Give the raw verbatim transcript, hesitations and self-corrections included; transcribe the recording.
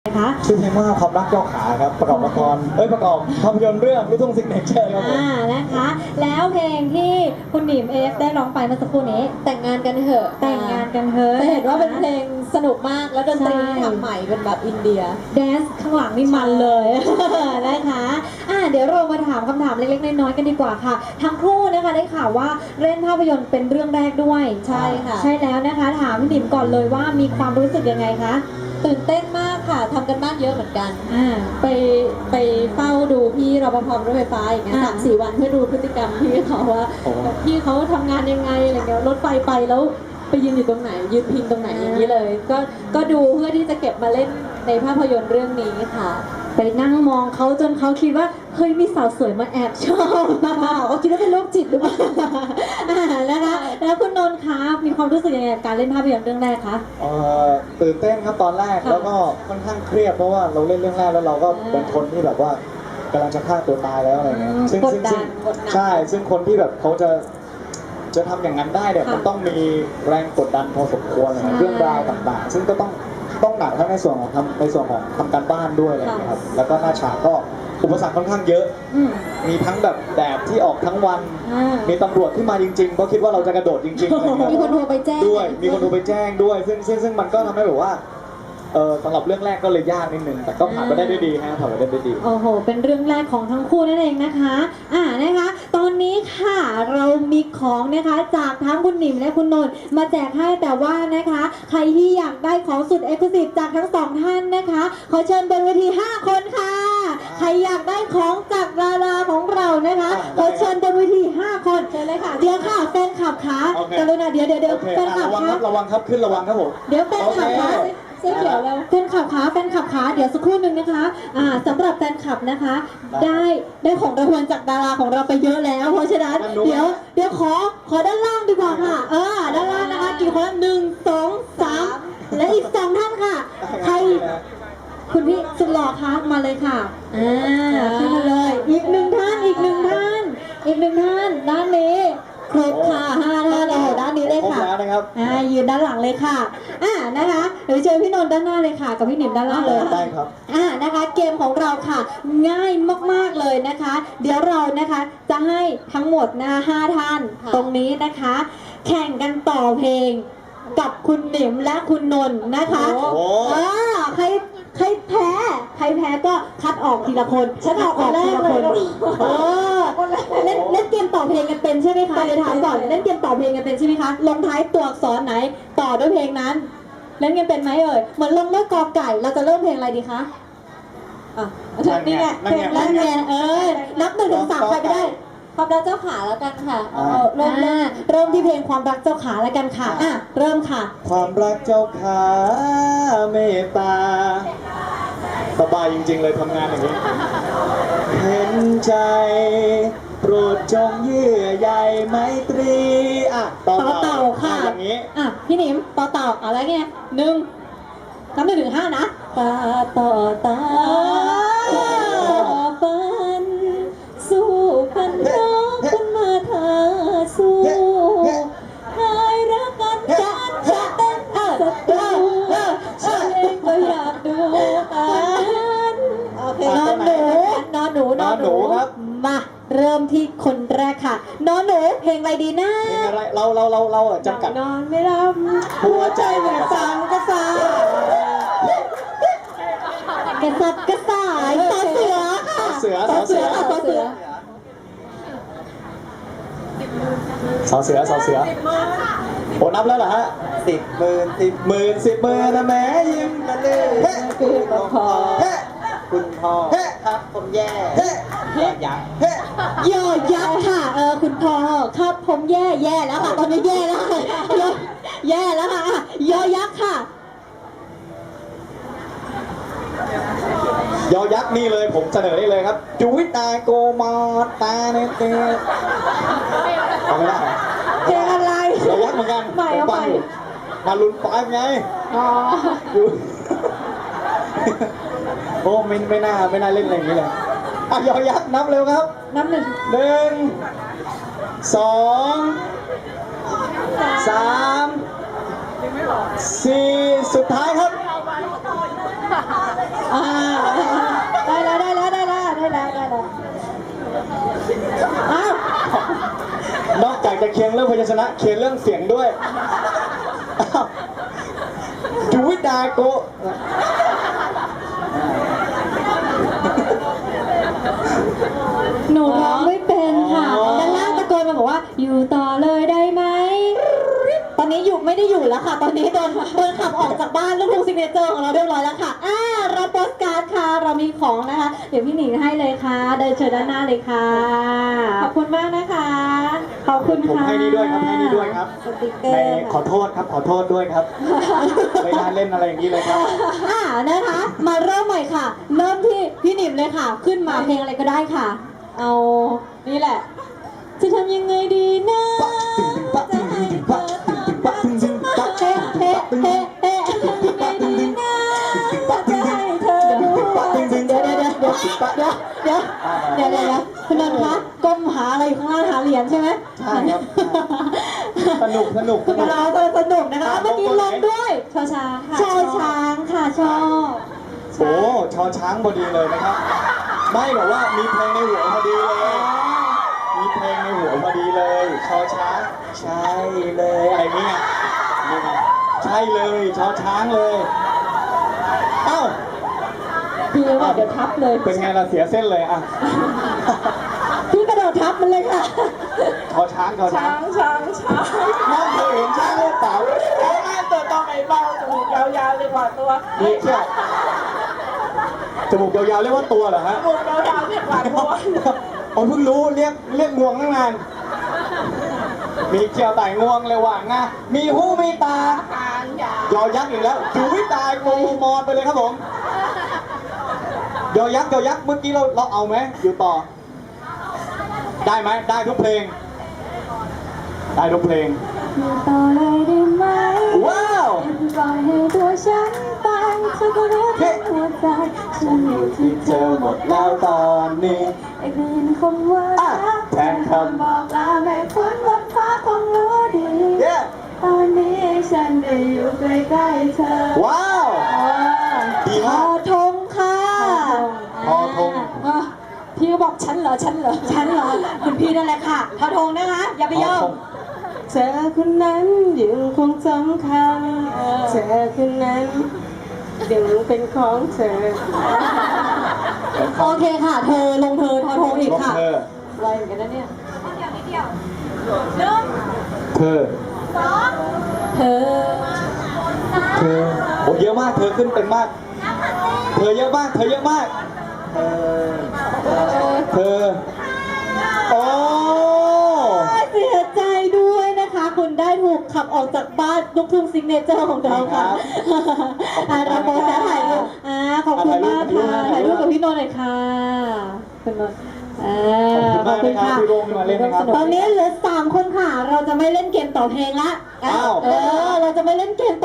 คะชื่อเพลงว่าความรักเจ้าขาครับประกอบละครเอ้ยประกอบภาพยนตร์เรื่องลูกทุ่งซิกเนเจอร์ครับผมอ่านะคะแล้วเพลงที่คุณหนิมเอฟได้ร้องไปเมื่อสักครู่นี้แต่งงานกันเถอะแต่งงานกันเถอะจะเห็นว่าเป็นเพลงสนุกมากแล้วดนตรีที่ทำใหม่เป็นแบบอินเดียแดนซ์ข้างหลังนี่มันเลยนะคะอ่าเดี๋ยวเรามาถามคำถามเล็กๆน้อยๆกันดีกว่าค่ะทั้งคู่นะคะได้ข่าวว่าเล่นภาพยนตร์เป็นเรื่องแรกด้วยใช่ค่ะใช่แล้วนะคะถามพี่หนิมก่อนเลยว่ามีความรู้สึกยังไงคะตื่นเต้นมากค่ะทำกันบ้านเยอะเหมือนกันอ่าไปไปเฝ้าดูพี่รปภรถไฟฟ้าอย่างเงี้ยสามสี่วันเพื่อดูพฤติกรรมพี่เขาว่าพี่เขาทำงานยังไงอะไรเงี้ยรถไฟไปแล้วไปยืนอยู่ตรงไหนยืนพิงตรงไหนอย่างนี้เลยก็ก็ดูเพื่อที่จะเก็บมาเล่นในภาพยนตร์เรื่องนี้ค่ะไปนั่งมองเขาจนเขาคิดว่าเฮ้ยมีสาวสวยมาแอบชอบเขาคิดว่าเป็นโรคจิตหรือเปล่านะคะแล้วคุณนนท์คะมีความรู้สึกยังไงกับการเล่นภาพยนตร์เรื่องแรกคะเอ่อตื่นเต้นครับตอนแรกแล้วก็ค่อนข้างเครียดเพราะว่าเราเล่นเรื่องแรกแล้วเราก็เป็นคนที่แบบว่ากำลังจะฆ่าตัวตายแล้วอะไรเงี้ยซึ่งซึ่งซึ่งใช่ซึ่งคนที่แบบเขาจะจะทำอย่างนั้นได้เนี่ยมันต้องมีแรงกดดันพอสมควรเรื่องราวต่างๆซึ่งก็ต้องต้องหนักทั้งในส่วนของทำในส่วนของทำการบ้านด้วยอะไรอย่างเงี้ยครับแล้วก็หน้าฉากก็อุปสรรคค่อนข้างเยอะมีทั้งแบบแดดที่ออกทั้งวันมีตำรวจที่มาจริงๆเพราะคิดว่าเราจะกระโดดจริงๆมีคนโทรไปแจ้งด้วยมีคนโทรไปแจ้งด้วยซึ่งซึ่งซึ่งมันก็ทำให้แบบว่าเออสำหรับเรื่องแรกก็เลยยากนิดนึงแต่ก็ผ่านไปได้ด้วยดีฮะผ่านไปได้ด้วยดีโอ้โหเป็นเรื่องแรกของทั้งคู่นั่นเองนะคะอ่านะคะตอนนี้ค่ะเรามีของนะคะจากทั้งคุณหนิมและคุณนนท์มาแจกให้แต่ว่านะคะใครที่อยากได้ของสุดเอ็กซ์คลูซีฟจากทั้งสองท่านนะคะขอเชิญบนเวทีห้าคนค่ะใครอยากได้ของจากดาราของเรานะคะขอเชิญบนเวทีห้าคนเชิญเลยค่ะเดี๋ยวค่ะแฟนคลับคะกรุณาเดี๋ยวเดี๋ยวเดี๋ยวแฟนคลับคะระวังครับขึ้นระวังครับผมเดี๋ยวแฟนคลับคะเสื้อเขียวแล้วแฟนคลับคะแฟนคลับคะเดี๋ยวสักครู่หนึ่งนะคะอ่าสำหรับแฟนคลับนะคะได้ได้ของรางวัลจากดาราของเราไปเยอะแล้วเพราะฉะนั้นเดี๋ยวเดี๋ยวขอขอด้านล่างดีกว่าค่ะเออด้านล่างนะคะกี่คนหนึ่งสองสามและอีกสองท่านค่ะใครคุณพี่สุดหล่อคะมาเลยค่ะอ่าขึ้นมาเลยอีกหนึ่งท่านอีกหนึ่งท่านอีกหนึ่งท่านด้านนี้ครบค่ะห้าท่านโอ้ด้านนี้เลยค่ะอ่ายืนด้านหลังเลยค่ะอ่านะคะเดี๋ยวเชิญพี่นนท์ด้านหน้าเลยค่ะกับพี่หนิมด้านล่างเลยได้ครับอ่านะคะเกมของเราค่ะง่ายมากๆเลยนะคะเดี๋ยวเรานะคะจะให้ทั้งหมดนะคะห้าท่านตรงนี้นะคะ แข่งกันต่อเพลงกับคุณหนิมและคุณนนท์นะคะอ่าใครใครแพ้ใครแพ้ก็คัดออกทีละคนฉันออกทีละคนเออเล่นเล่นเกมต่อเพลงกันเป็นใช่ไหมคะเดี๋ยวถามก่อนเล่นเกมต่อเพลงกันเป็นใช่ไหมคะลงท้ายตัวอักษรไหนต่อด้วยเพลงนั้นเล่นกันเป็นไหมเอ่ยเหมือนลงด้วยกอไก่เราจะเริ่มเพลงอะไรดีคะอ่ะนี่ไงเพลงนั่นไงเออนับหนึ่งถึงสามใครก็ได้ความรักเจ้าขาแล้วกันค่ะเริ่มเริ่มที่เพลงความรักเจ้าขาแล้วกันค่ะอ่ะเริ่มค่ะความรักเจ้าขาเมตตาสบายจริงๆเลยทำงานอย่างนี้เห็นใจโปรดจงเยื่อใยไมตรีอ่ะต่อเต่าค่ะอย่างนี้อ่ะพี่หนิมต่อเต่าอะไรเงี้ยหนึ่งนับหนึ่งถึงห้านะตาต่อตาฟันสู้กันร้องกันมาทาสู้หายรักกันจัดจะเต้นสักตัวฉันเองก็อยากดูกันโอเคนอนหนูนอนหนูนอนหนูครับมาเริ่มที่คนแรกค่ะนอนหนูเพลงอะไรดีนะเพลงอะไรเราเราเราเราจำกัดนอนไม่รับหัวใจเหมือนฟังก็ซ่ากระสับกระส่ายต่อเสือค่ะเสือต่อเสือค่ะต่อเสือสอเสือสอเสือโอ้นับแล้วเหรอฮะสิบหมื่นสิบหมื่นสิบหมื่นนะแม่ยิ้มกันเลยเฮ้คุณพ่อเฮ้คุณพ่อเฮ้ครับผมแย่เฮ้ยอยักษ์เฮ้ยอยักษ์ค่ะเออคุณพ่อครับผมแย่แย่แล้วค่ะตอนนี้แย่แล้วค่ะแย่แล้วค่ะยอยักษ์ค่ะยอยักษ์นี่เลยผมเสนอได้เลยครับจุวิตาโกมาตาเนเตเอาไม่ได้เพลงอะไรยอยักษ์เหมือนกันใหม่เอาใหม่มาลุ้นปอยไงอ๋อโอ้ไม่ไม่น่าไม่น่าเล่นอะไรอย่างนี้เลยอ่ะยอยักษ์นับเร็วครับนับหนึ่งหนึ่งสองสามสี่สุดท้ายครับนะเคลียร์เรื่องเสียงด้วยอ้าวดูวิดาโกะหนูร้องไม่เป็นค่ะอ๋อด้านล่างตะโกนมาบอกว่า อยู่ต่อเลยได้ไหม ตอนนี้อยู่ไม่ได้อยู่แล้วค่ะ ตอนนี้โดนโดนขับออกจากบ้านลูกทุ่งซิกเนเจอร์ของเราเรียบร้อยแล้วค่ะ อ่ารับโปสการ์ดค่ะ เรามีของนะคะ เดี๋ยวพี่หนิงให้เลยค่ะ เดินเชิญด้านหน้าเลยค่ะ ขอบคุณมากนะคะ ขอบคุณผมค่ะให้นี่ด้วยครับให้นี่ด้วยครับสติกเกอในร์ขอโทษครับขอโทษด้วยครับ ไม่น่าเล่นอะไรอย่างนี้เลยครับอ่านะคะ มาเริ่มใหม่ค่ะ เริ่มที่พี่หนิมเลยค่ะ ขึ้นมาเพลงอะไรก็ได้ค่ะ เอานี่แหละ จะทำยังไงดีนะจะให้เธอตามรักฉันมาเฮ้เฮ้เฮ้เฮ้จะทำยังไงดีนะจะให้เธอรู้ว่าเดี๋ยวเดี๋ยวเดี๋ยวเดี๋ยวเดี๋ยวเดี๋ยวเดี๋ยวเดี๋ยวเดี๋ยวคุณนนท์คะก้มหาอะไรอยู่ข้างล่างหาเหรียญใช่ไหมใช่ครับ สนุกสนุกสนุกเราสนุกนะคะเมื่อกี้ลงด้วยชอช้างค่ะชอช้างค่ะชอบโอ้ชอช้างพอดีเลยนะครับ ไม่แบบว่ามีเพลงในหัวพอดีเลย มีเพลงในหัวพอดีเลย ชอช้างใช่เลยอะไรเงี้ยนี่ไงใช่เลยชอช้างเลยเอ้าพี่ว่าเดี๋ยวทับเลยเป็นไงล่ะเสียเส้นเลยอ่ะพี่กระโดดทับมันเลยค่ะชอช้างชอช้างช้างช้างน้องเคยเห็นช้างหรือเปล่าช้างไม่ตัวต้องไอ้เบาจมูกยาวๆเลยกว่าตัวนี่เชี่ยวจมูกยาวๆเรียกว่าตัวเหรอฮะจมูกยาวๆเลยกว่าตัวผมเพิ่งรู้เรียกเรียกงวงตั้งนาน มีเกี่ยวไต่งวงเลยว่างนะมีหูมีตาหางยาวยอยักษ์อีกแล้วจูวิตายงูมอนไปเลยครับผม ยอยักษ์ยอยักษ์เมื่อกี้เราเราเอาไหมอยู่ต่อ ได้ไหมได้ทุกเพลง ได้ทุกเพลงอยู่ต่อเลยได้ไหมว้าวปล่อยให้ตัวฉันไปเธอก็รู้ทั้งหัวใจฉันอยู่ที่เธเธออหหมมดดแล้แล้ว วตอนนี้ไอ้คืนคำว่าอ่ะแทนคำบอกลาแม่คุณบนฟ้าคงรู้ดีเย้ตอนนี้ฉันได้อยู่ใกล้ๆเธอว้าว ดีทมาอก ธงค่ะทอธงอ่ะพี่ก็บอกฉันเหรอฉันเหรอฉันเหรอคุณพี่นั่นแหละค่ะทอธงนะคะ อย่าไปยอม เธอคนนั้นยังคงสำคัญเธอคนนั้นยังเป็นของเธอ โอเคค่ะ เธอลงเธอทอทงอีกลงค่ะเธอไวเหมือนกันนะเนี่ยเธอเธอเธอโอ้เยอะมาก เธอขึ้นเป็นมาก เธอเยอะมาก เธอเยอะมาก เธอ เธอ โอ้เสียใจด้วยนะคะ คุณได้ถูกขับออกจากบ้านลูกทุ่งซิกเนเจอร์ของเราค่ะอ่าเราโพสต์ถ่ายรูปอ่าขอบคุณมากค่ะถ่ายรูปกับพี่นนท์หน่อยค่ะคุณนนท์อ่าขอบคุณมากนะครับที่ร่วมมาเล่นนะครับตอนนี้เหลือสามคนค่ะ เราจะไม่เล่นเกมต่อเพลงละอ้าวเออ เราจะไม่เล่นเกมต่อ